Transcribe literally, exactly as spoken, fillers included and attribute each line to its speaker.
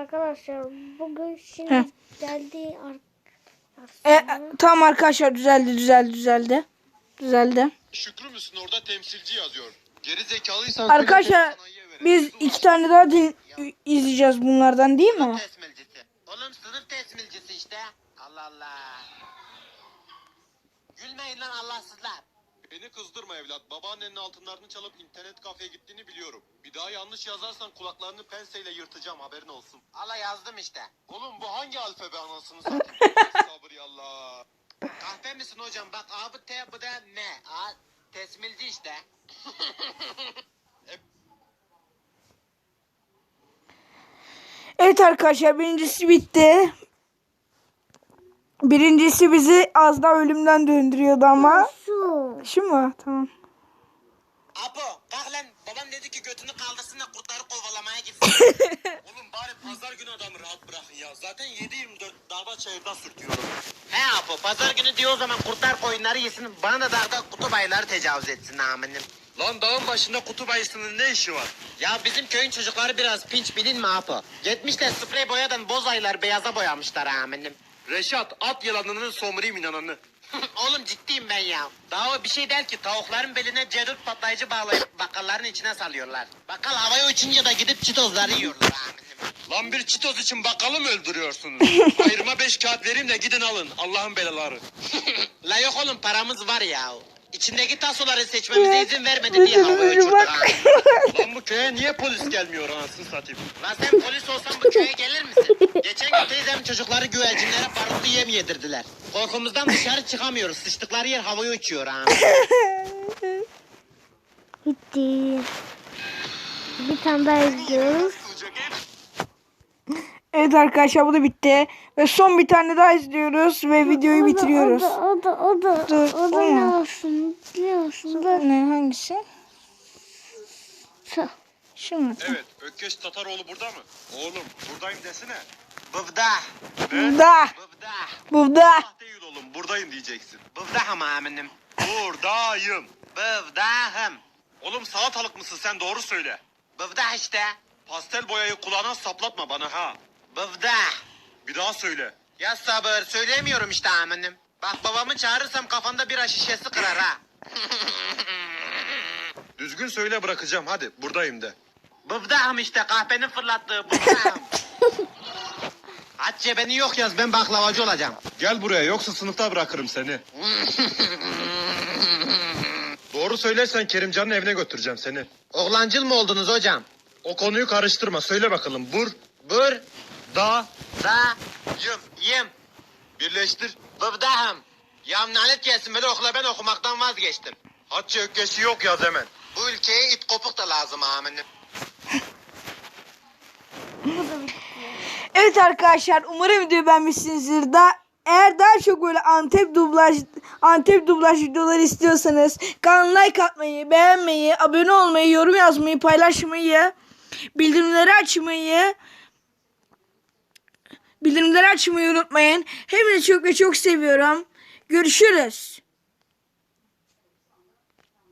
Speaker 1: arkadaşlar bugün şimdi
Speaker 2: Heh.
Speaker 1: geldi
Speaker 2: E, e, tamam arkadaşlar düzeldi düzeldi düzeldi. Düzeldi.
Speaker 3: Şükrü müsün orada temsilci yazıyor. Geri zekalıysan
Speaker 2: Arkadaşlar biz iki tane daha din izleyeceğiz bunlardan değil mi?
Speaker 4: Tesmilcisi. Oğlum sınıf tesmilcisi işte. Allah Allah. Gülmeyin lan Allahsızlar.
Speaker 3: Beni kızdırma evlat. Babaannenin altınlarını çalıp internet kafeye gittiğini biliyorum. Bir daha yanlış yazarsan kulaklarını penseyle yırtacağım haberin olsun.
Speaker 4: Allah yazdım işte.
Speaker 3: Oğlum bu hangi alfabe anasını satayım? Sabır yallah.
Speaker 4: Kahpe misin hocam? Bak A bu T bu da M. A tesmilci işte.
Speaker 2: Evet arkadaşlar birincisi bitti. Birincisi bizi az daha ölümden döndürüyordu ama.
Speaker 1: Su.
Speaker 2: Şu mu? Tamam.
Speaker 4: Apo kalk lan. Babam dedi ki götünü kaldırsın da kurtları kovalamaya gitsin.
Speaker 3: Oğlum bari pazar günü adamı rahat bırakın ya. Zaten yedi yirmi dört dağda çayırda sürtüyorum.
Speaker 4: He Apo pazar günü diyor o zaman kurtlar koyunları yesin. Bana da dağda kutup ayıları tecavüz etsin aminim.
Speaker 3: Lan dağın başında kutup ayısının ne işi var?
Speaker 4: Ya bizim köyün çocukları biraz pinç bilin mi Apo? Gitmişler sprey boyadan boz ayıları beyaza boyamışlar aminim.
Speaker 3: Reşat at yalanının somurayım inananı.
Speaker 4: Oğlum ciddiyim ben ya. Daha o bir şey der ki tavukların beline cerut patlayıcı bağlayıp bakkalların içine salıyorlar. Bakkal havaya uçunca da gidip çitozları yiyorlar aminim.
Speaker 3: Lan bir çitoz için bakkalı mı öldürüyorsunuz? Ayrıma beş kağıt vereyim de gidin alın. Allah'ın belaları.
Speaker 4: La yok oğlum paramız var ya. İçindeki tasoları seçmemize izin vermedi diye havaya uçurduk aminim.
Speaker 3: Lan bu köye niye polis gelmiyor anasını satayım?
Speaker 4: Lan sen polis olsan bu köye gelir misin? Geçen gün teyzem çocukları güvercinlere barutlu yem yedirdiler. Korkumuzdan dışarı çıkamıyoruz. Sıçtıkları yer havaya uçuyor ha.
Speaker 1: Bitti. Bir tane daha izliyoruz.
Speaker 2: Evet arkadaşlar bu da bitti. Ve son bir tane daha izliyoruz ve videoyu
Speaker 1: O da-
Speaker 2: bitiriyoruz.
Speaker 1: O da o da o da,
Speaker 2: Dur,
Speaker 1: o da
Speaker 2: o
Speaker 1: ne
Speaker 2: mu?
Speaker 1: olsun biliyor musun? Dur.
Speaker 2: Ne hangisi?
Speaker 1: Su.
Speaker 2: Şu mu?
Speaker 3: Evet, Ökkeş Tataroğlu burada mı? Oğlum, buradayım desene.
Speaker 4: Bıvda.
Speaker 2: Burada.
Speaker 4: Bıvda.
Speaker 2: Burada.
Speaker 3: Ah değil oğlum, buradayım diyeceksin.
Speaker 4: Bıvdahım aminim.
Speaker 3: Buradayım.
Speaker 4: Bıvdahım.
Speaker 3: Oğlum salatalık mısın sen doğru söyle.
Speaker 4: Bıvdah işte.
Speaker 3: Pastel boyayı kulağına saplatma bana ha.
Speaker 4: Bıvdah.
Speaker 3: Bir daha söyle.
Speaker 4: Ya sabır söyleyemiyorum işte aminim. Bak babamı çağırırsam kafanda bira şişesi kırar ha.
Speaker 3: Düzgün söyle bırakacağım hadi buradayım de.
Speaker 4: Bıvdahım işte kahpenin fırlattığı bıvdahım. Aç cebeni yok yaz ben baklavacı olacağım.
Speaker 3: Gel buraya yoksa sınıfta bırakırım seni. Doğru söylersen Kerimcan'ın evine götüreceğim seni.
Speaker 4: Oğlancıl mı oldunuz hocam?
Speaker 3: O konuyu karıştırma söyle bakalım. Bur,
Speaker 4: Bur,
Speaker 3: da,
Speaker 4: da,
Speaker 3: yım.
Speaker 4: yim,
Speaker 3: Birleştir.
Speaker 4: bıvdahım. Ya nalet gelsin böyle okula ben okumaktan vazgeçtim.
Speaker 3: Hatça ökkeşi yok yaz hemen.
Speaker 4: Bu ülkeye it kopuk da lazım aminim.
Speaker 2: Evet arkadaşlar umarım videoyu beğenmişsinizdir. Da eğer daha çok böyle Antep dublaj Antep dublaj videoları istiyorsanız kanalıma like atmayı, beğenmeyi, abone olmayı, yorum yazmayı, paylaşmayı, bildirimleri açmayı bildirimleri açmayı unutmayın. Hepinizi çok ve çok seviyorum. Görüşürüz.